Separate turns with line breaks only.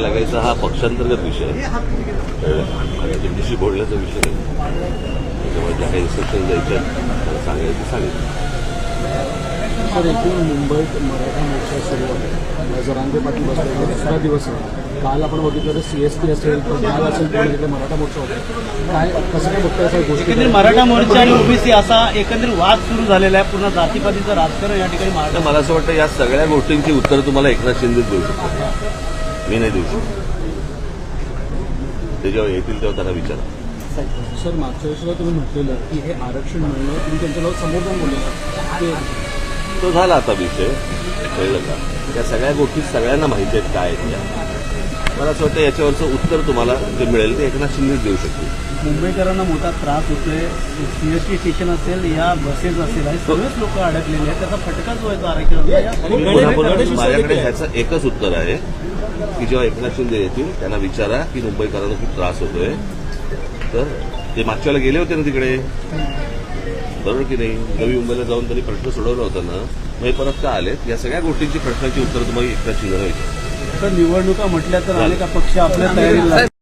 लागायचा हा पक्षांतर्गत विषय आहे, त्यांच्याशी बोलण्याचा विषय नाही. त्याच्यामुळे ज्या काही इन्स्ट्रक्शन द्यायच्या मला सांगायचं सांगितलं.
सर, एकूण मुंबईत मराठा मोर्चा सुरू आहे. जरांगे पाटील बसले दुसरा दिवस आहे. काल आपण बघितलं तर CST असेल तर काल असेल तर तिथे मराठा मोर्चा होता. काय कसं काय बघताय सर गोष्टी?
एकंदरीत मराठा मोर्चा आणि ओबीसी असा एकंदरीत वाद सुरू झालेला आहे. पूर्ण जातीपातीचं राजकारण या ठिकाणी
तर मला असं वाटतं या सगळ्या गोष्टींची उत्तरं तुम्हाला एकनाथ शिंदेच देऊ शकतो, मी नाही देऊ शकतो. ते जेव्हा येतील तेव्हा त्यांना विचारा.
सर, मागच्या वेळेस तुम्ही म्हटलेलं की हे आरक्षण मिळणं तुम्ही त्यांच्याजवळ समोर जाऊन बोललेलं
तो झाला आता विषय, कळलं का? या सगळ्या गोष्टी सगळ्यांना माहिती आहेत काय आहेत त्या. मला असं वाटतं याच्यावरचं उत्तर तुम्हाला जे मिळेल ते एकनाथ शिंदेच देऊ शकतील.
मुंबईकरांना मोठा त्रास होतोय. CST स्टेशन असेल या बसेस असेल हे सगळेच लोक अडकलेले आहेत. त्याचा फटका जो आहे तो आरक्षणाचा.
पुन्हा माझ्याकडे ह्याचं एकच उत्तर आहे की जेव्हा एकनाथ शिंदे येतील त्यांना विचारा की मुंबईकरांना खूप त्रास होतोय. तर ते मागच्या वेळेला गेले होते ना तिकडे, बरोबर की नाही? नवी मुंबईला जाऊन त्यांनी प्रश्न सोडवला होता ना, मग हे परत का आलेत? या सगळ्या गोष्टींची प्रश्नाची उत्तर तुम्हाला एकनाथ शिंदेला विचारा.
तर निवडणुका म्हटल्या तर अनेक पक्ष आपल्या तयारीला